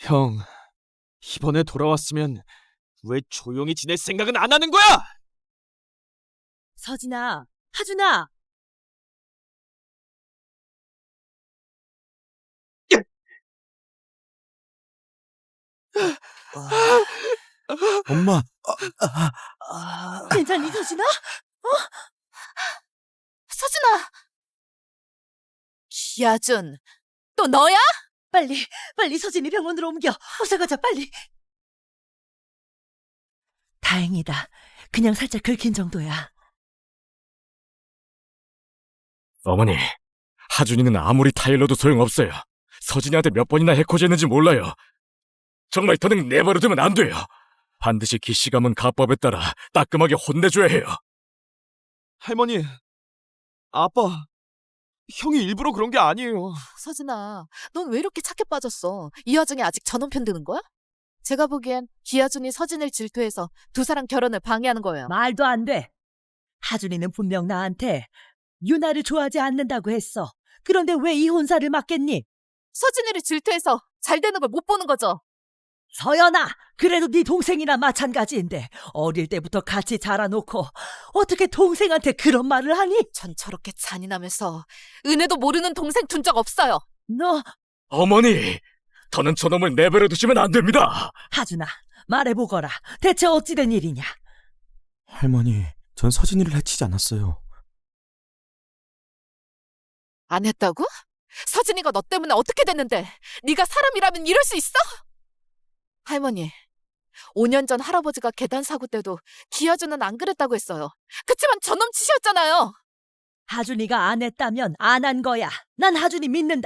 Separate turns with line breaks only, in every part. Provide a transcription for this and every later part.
형, 이번에 돌아왔으면 왜 조용히 지낼 생각은 안 하는 거야?
서진아, 하준아.
엄마,
괜찮니, 서진아?
서준아! 기아준, 또 너야?
빨리 서진이 병원으로 옮겨. 어서 가자, 빨리. 다행이다. 그냥 살짝 긁힌 정도야.
어머니, 하준이는 아무리 타일러도 소용없어요. 서진이한테 몇 번이나 해코지했는지 몰라요. 정말 더는 내버려두면 안 돼요. 반드시 기시감은 가법에 따라 따끔하게 혼내줘야 해요.
할머니, 아빠, 형이 일부러 그런 게 아니에요.
서준아, 넌 왜 이렇게 착해 빠졌어? 이 와중에 아직 전원 편드는 거야? 제가 보기엔 기아준이 서진을 질투해서 두 사람 결혼을 방해하는 거예요.
말도 안 돼. 하준이는 분명 나한테 유나를 좋아하지 않는다고 했어. 그런데 왜 이혼사를 맡겠니?
서진이를 질투해서 잘 되는 걸 못 보는 거죠.
서연아, 그래도 네 동생이나 마찬가지인데 어릴 때부터 같이 자라놓고 어떻게 동생한테 그런 말을 하니?
전 저렇게 잔인하면서 은혜도 모르는 동생 둔 적 없어요.
너,
어머니, 더는 저놈을 내버려두시면 안 됩니다.
하준아, 말해보거라. 대체 어찌된 일이냐?
할머니, 전 서진이를 해치지 않았어요.
안 했다고? 서진이가 너 때문에 어떻게 됐는데 네가 사람이라면 이럴 수 있어? 할머니, 5년 전 할아버지가 계단 사고 때도 기아준은 안 그랬다고 했어요. 그치만 저놈 짓이었잖아요.
하준이가 안 했다면 안 한 거야. 난 하준이 믿는다.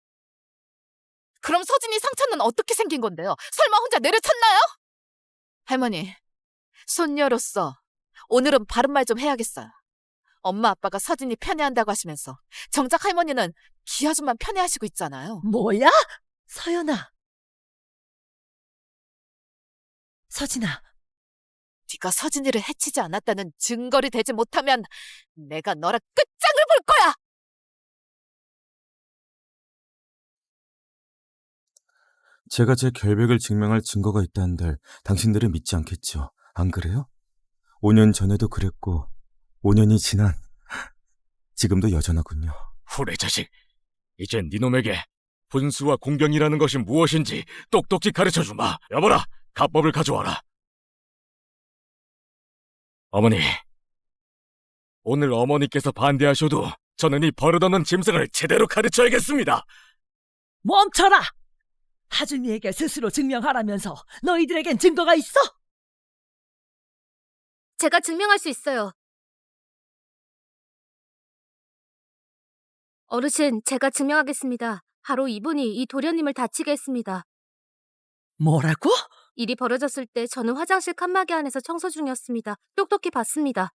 그럼 서진이 상처는 어떻게 생긴 건데요? 설마 혼자 내려쳤나요? 할머니, 손녀로서 오늘은 바른 말 좀 해야겠어요. 엄마 아빠가 서진이 편애한다고 하시면서 정작 할머니는 기아준만 편애하시고 있잖아요.
뭐야? 서연아. 서진아,
네가 서진이를 해치지 않았다는 증거를 대지 못하면 내가 너랑 끝장을 볼 거야!
제가 제 결백을 증명할 증거가 있다는데 당신들은 믿지 않겠죠? 안 그래요? 5년 전에도 그랬고 5년이 지난 지금도 여전하군요.
후레 자식, 이젠 니놈에게 분수와 공경이라는 것이 무엇인지 똑똑히 가르쳐주마. 여보라, 가법을 가져와라. 어머니, 오늘 어머니께서 반대하셔도 저는 이 버릇없는 짐승을 제대로 가르쳐야겠습니다.
멈춰라! 하준이에게 스스로 증명하라면서 너희들에겐 증거가 있어?
제가 증명할 수 있어요. 어르신, 제가 증명하겠습니다. 바로 이분이 이 도련님을 다치게 했습니다.
뭐라고?
일이 벌어졌을 때 저는 화장실 칸막이 안에서 청소 중이었습니다. 똑똑히 봤습니다.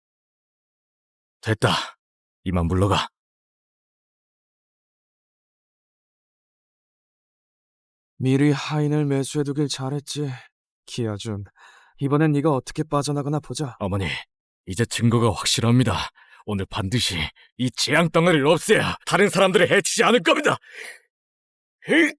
됐다. 이만 물러가.
미리 하인을 매수해두길 잘했지. 기아준, 이번엔 네가 어떻게 빠져나가나 보자.
어머니, 이제 증거가 확실합니다. 오늘 반드시 이 재앙 덩어리를 없애야 다른 사람들을 해치지 않을 겁니다. 으이!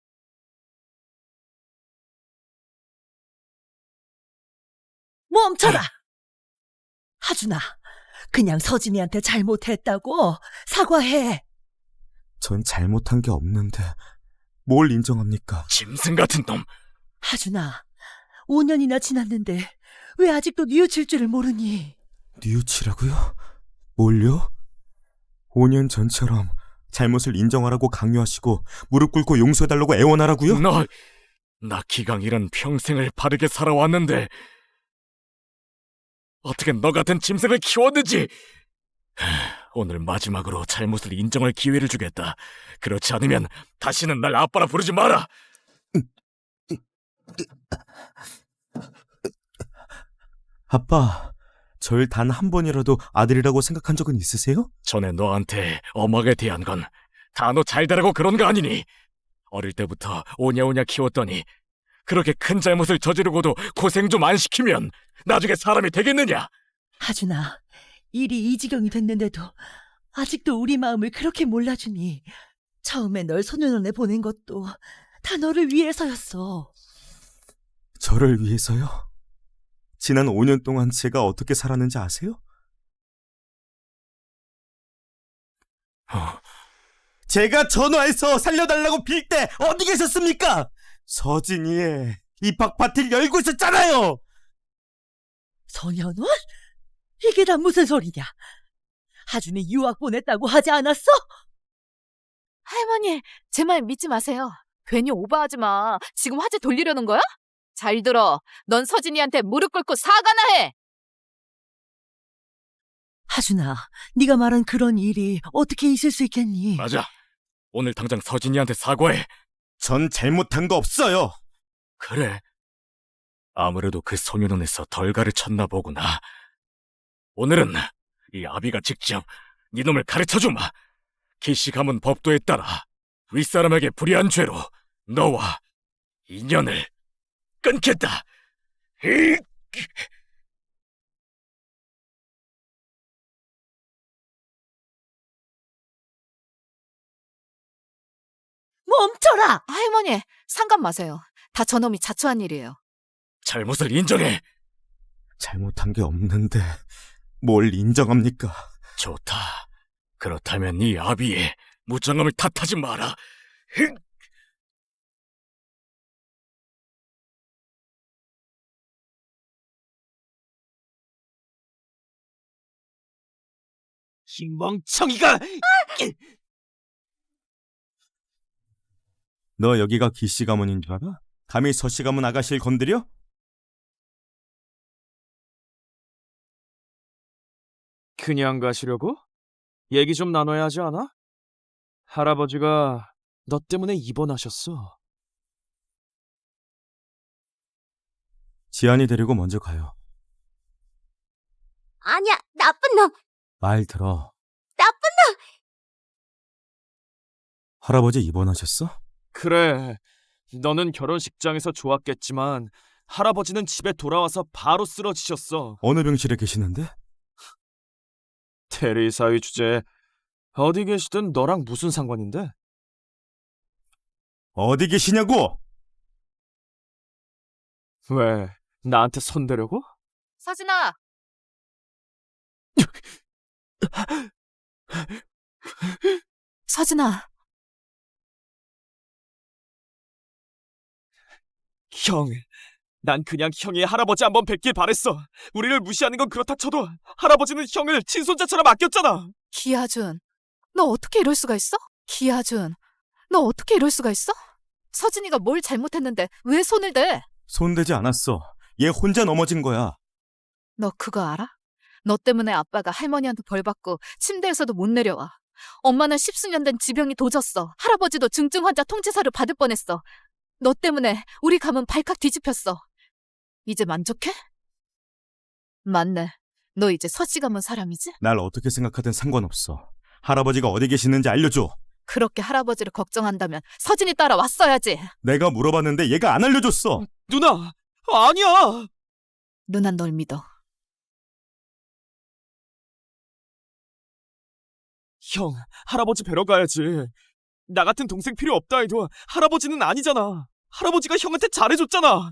멈춰라! 하준아, 그냥 서진이한테 잘못했다고 사과해.
전 잘못한 게 없는데 뭘 인정합니까?
짐승 같은 놈.
하준아, 5년이나 지났는데 왜 아직도 뉘우칠 줄을 모르니?
뉘우치라고요? 뭘요? 5년 전처럼 잘못을 인정하라고 강요하시고 무릎 꿇고 용서해달라고 애원하라고요?
나 기강이란 평생을 바르게 살아왔는데 어떻게 너 같은 짐승을 키웠는지. 오늘 마지막으로 잘못을 인정할 기회를 주겠다. 그렇지 않으면 다시는 날 아빠라 부르지 마라.
아빠, 절 단 한 번이라도 아들이라고 생각한 적은 있으세요?
전에 너한테 엄하게 대한 건 다 너 잘 되라고 그런 거 아니니? 어릴 때부터 오냐오냐 키웠더니 그렇게 큰 잘못을 저지르고도 고생 좀 안 시키면 나중에 사람이 되겠느냐?
하준아, 일이 이 지경이 됐는데도 아직도 우리 마음을 그렇게 몰라주니 처음에 널 소년원에 보낸 것도 다 너를 위해서였어.
저를 위해서요? 지난 5년 동안 제가 어떻게 살았는지 아세요? 제가 전화해서 살려달라고 빌 때 어디 계셨습니까? 서진이의 입학 파티를 열고 있었잖아요!
소년원? 이게 다 무슨 소리냐? 하준이 유학 보냈다고 하지 않았어?
할머니, 제 말 믿지 마세요. 괜히 오버하지 마. 지금 화제 돌리려는 거야? 잘 들어. 넌 서진이한테 무릎 꿇고 사과나 해.
하준아, 네가 말한 그런 일이 어떻게 있을 수 있겠니?
맞아. 오늘 당장 서진이한테 사과해.
전 잘못한 거 없어요!
그래. 아무래도 그 소년원에서 덜 가르쳤나 보구나. 오늘은 이 아비가 직접 네 놈을 가르쳐주마. 기시 가문 법도에 따라 윗사람에게 불의한 죄로 너와 인연을 끊겠다. 으익!
멈춰라!
할머니, 상관 마세요. 다 저놈이 자초한 일이에요.
잘못을 인정해.
잘못한 게 없는데 뭘 인정합니까?
좋다. 그렇다면 이 아비의 무장함을 탓하지 마라. 으익!
이 멍청이가!
너 여기가 기씨 가문인 줄 알아? 감히 서씨 가문 아가씨를 건드려?
그냥 가시려고? 얘기 좀 나눠야 하지 않아? 할아버지가 너 때문에 입원하셨어.
지안이 데리고 먼저 가요.
아니야, 나쁜 놈!
말 들어.
나쁜
할아버지 입원하셨어?
그래, 너는 결혼식장에서 좋았겠지만 할아버지는 집에 돌아와서 바로 쓰러지셨어.
어느 병실에 계시는데?
테리 사위 주제에 어디 계시든 너랑 무슨 상관인데?
어디 계시냐고!
왜, 나한테 손대려고?
서진아, 서진아,
형, 난 그냥 형이 할아버지 한번 뵙길 바랬어. 우리를 무시하는 건 그렇다 쳐도 할아버지는 형을 친손자처럼 아꼈잖아.
기아준, 너 어떻게 이럴 수가 있어? 기아준, 너 어떻게 이럴 수가 있어? 서진이가 뭘 잘못했는데 왜 손을 대?
손대지 않았어. 얘 혼자 넘어진 거야.
너 그거 알아? 너 때문에 아빠가 할머니한테 벌 받고 침대에서도 못 내려와. 엄마는 십수년 된 지병이 도졌어. 할아버지도 중증 환자 통지서를 받을 뻔했어. 너 때문에 우리 가문 발칵 뒤집혔어. 이제 만족해? 맞네. 너 이제 서씨 가문 사람이지?
날 어떻게 생각하든 상관없어. 할아버지가 어디 계시는지 알려줘.
그렇게 할아버지를 걱정한다면 서진이 따라왔어야지.
내가 물어봤는데 얘가 안 알려줬어.
누나, 아니야.
누난 널 믿어.
형, 할아버지 뵈러 가야지. 나 같은 동생 필요 없다 해도 할아버지는 아니잖아. 할아버지가 형한테 잘해줬잖아.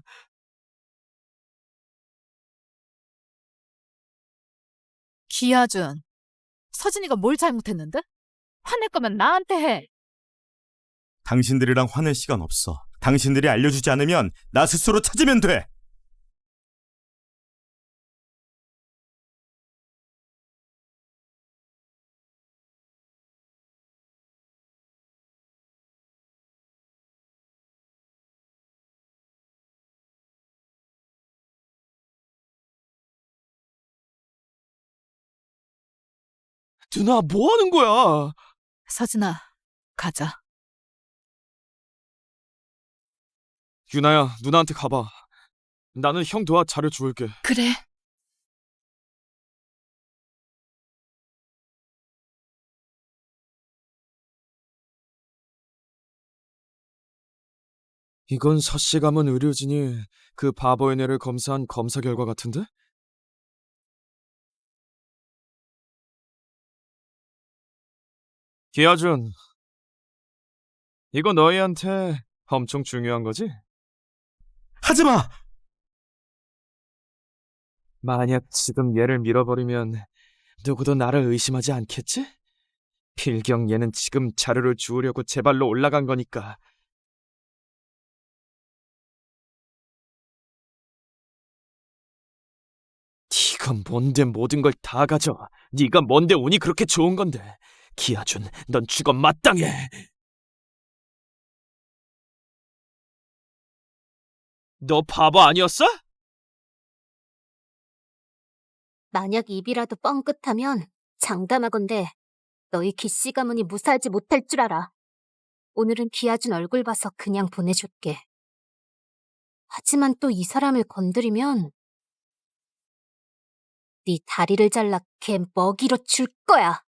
기아준, 서진이가 뭘 잘못했는데? 화낼 거면 나한테 해.
당신들이랑 화낼 시간 없어. 당신들이 알려주지 않으면 나 스스로 찾으면 돼.
누나, 뭐 하는 거야?
서진아, 가자.
유나야, 누나한테 가봐. 나는 형 도와 자료 주울게.
그래.
이건 서씨 가문 의료진이 그 바보의 뇌를 검사한 검사 결과 같은데? 기아준, 이거 너희한테 엄청 중요한 거지?
하지 마!
만약 지금 얘를 밀어버리면 누구도 나를 의심하지 않겠지? 필경 얘는 지금 자료를 주우려고 제 발로 올라간 거니까. 네가 뭔데 모든 걸 다 가져. 네가 뭔데 운이 그렇게 좋은 건데. 기아준, 넌 죽어 마땅해. 너 바보 아니었어?
만약 입이라도 뻥끗하면 장담하건대 너희 기씨 가문이 무사하지 못할 줄 알아. 오늘은 기아준 얼굴 봐서 그냥 보내줄게. 하지만 또 이 사람을 건드리면 네 다리를 잘라 걔 먹이로 줄 거야.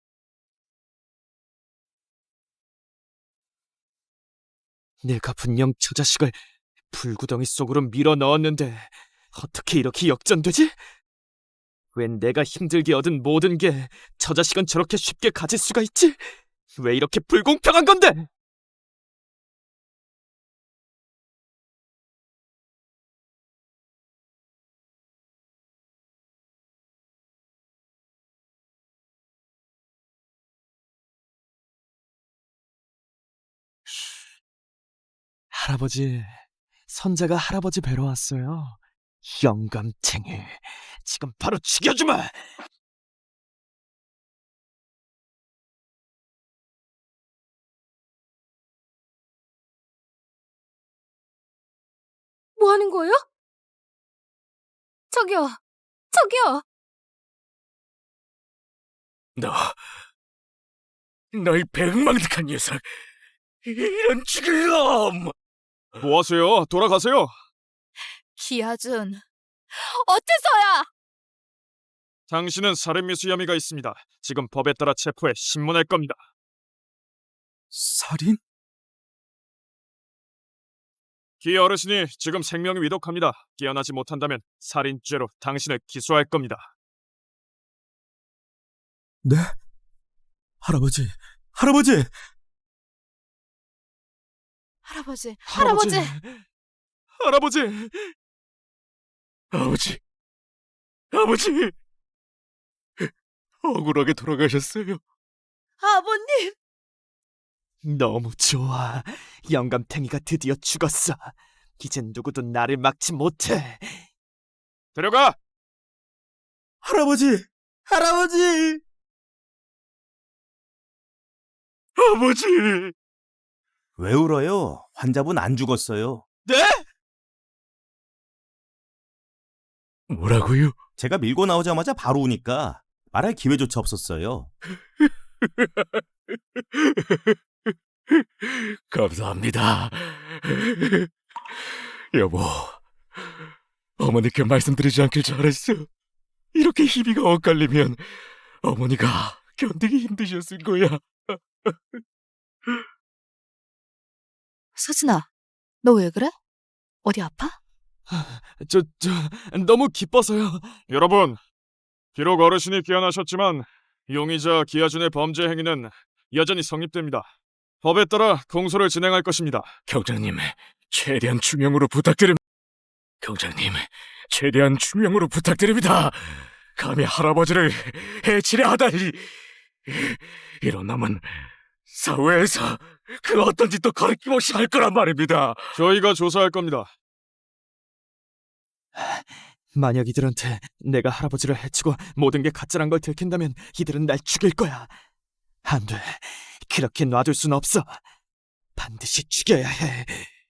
내가 분명 저 자식을 불구덩이 속으로 밀어 넣었는데 어떻게 이렇게 역전되지? 웬 내가 힘들게 얻은 모든 게 저 자식은 저렇게 쉽게 가질 수가 있지? 왜 이렇게 불공평한 건데? 할아버지, 선자가 할아버지 뵈러 왔어요. 영감탱이, 지금 바로 죽여주마!
뭐 하는 거예요? 저기요, 저기요.
너희 백망득한 녀석! 이런 죽일 놈!
뭐 하세요? 돌아가세요.
기아준, 어째서야?
당신은 살인미수 혐의가 있습니다. 지금 법에 따라 체포해 신문할 겁니다.
살인?
기 어르신이 지금 생명이 위독합니다. 깨어나지 못한다면 살인죄로 당신을 기소할 겁니다.
네? 할아버지, 할아버지!
할아버지,
할아버지!
할아버지!
할아버지!
아버지! 아버지! 억울하게 돌아가셨어요.
아버님!
너무 좋아. 영감탱이가 드디어 죽었어. 이젠 누구도 나를 막지 못해. 데려가!
할아버지! 할아버지!
아버지!
왜 울어요? 환자분 안 죽었어요.
네?
뭐라고요?
제가 밀고 나오자마자 바로 오니까 말할 기회조차 없었어요.
감사합니다. 여보, 어머니께 말씀드리지 않길 잘했어. 이렇게 희비가 엇갈리면 어머니가 견디기 힘드셨을 거야.
서진아, 너 왜 그래? 어디 아파?
저, 너무 기뻐서요. 여러분, 비록 어르신이 깨어나셨지만 용의자 기아준의 범죄 행위는 여전히 성립됩니다. 법에 따라 공소를 진행할 것입니다.
경장님, 최대한 추명으로 부탁드립니다. 경장님, 최대한 추명으로 부탁드립니다. 감히 할아버지를 해치려 하다니. 이런 놈은 사회에서 그 어떤 짓도 거리낌없이 할 거란 말입니다.
저희가 조사할 겁니다. 만약 이들한테 내가 할아버지를 해치고 모든 게 가짜란 걸 들킨다면 이들은 날 죽일 거야. 안 돼. 그렇게 놔둘 순 없어. 반드시 죽여야 해.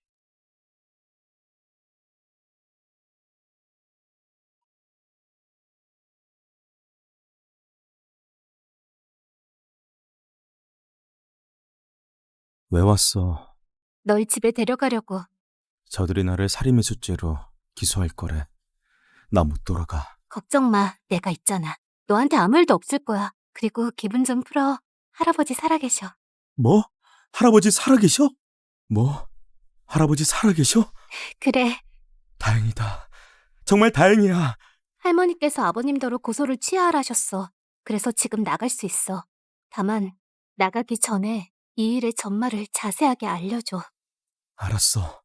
왜 왔어?
널 집에 데려가려고.
저들이 나를 살인미수죄로 기소할 거래. 나 못 돌아가.
걱정 마, 내가 있잖아. 너한테 아무 일도 없을 거야. 그리고 기분 좀 풀어. 할아버지 살아계셔.
뭐? 할아버지 살아계셔? 뭐? 할아버지 살아계셔?
그래,
다행이다. 정말 다행이야.
할머니께서 아버님더러 고소를 취하하셨어. 그래서 지금 나갈 수 있어. 다만 나가기 전에 이 일의 전말을 자세하게 알려줘.
알았어.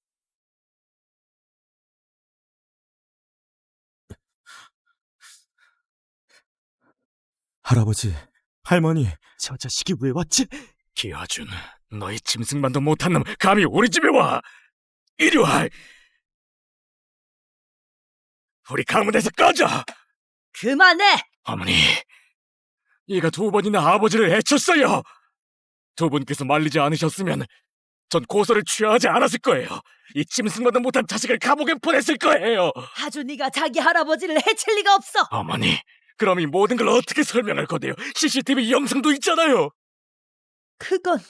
할아버지, 할머니,
저 자식이 왜 왔지?
기아준, 너희 짐승만도 못한 놈 감히 우리 집에 와! 이리 와! 우리 가문에서 꺼져!
그만해!
어머니, 얘가 2번이나 아버지를 해쳤어요! 2분께서 말리지 않으셨으면 전 고소를 취하지 않았을 거예요. 이 짐승만도 못한 자식을 감옥에 보냈을 거예요.
하준이가 자기 할아버지를 해칠 리가 없어!
어머니, 그럼 이 모든 걸 어떻게 설명할 건데요? CCTV 영상도 있잖아요.
그건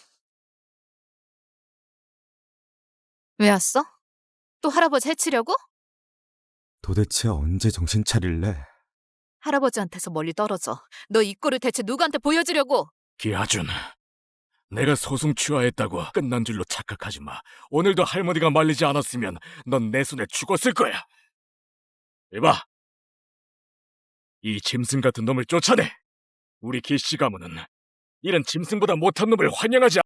왜 왔어? 또 할아버지 해치려고?
도대체 언제 정신 차릴래?
할아버지한테서 멀리 떨어져. 너 이 꼴을 대체 누구한테 보여주려고?
기아준, 내가 소송 취하했다고 끝난 줄로 착각하지 마. 오늘도 할머니가 말리지 않았으면 넌 내 손에 죽었을 거야. 이봐, 이 짐승 같은 놈을 쫓아내. 우리 기씨 가문은 이런 짐승보다 못한 놈을 환영하지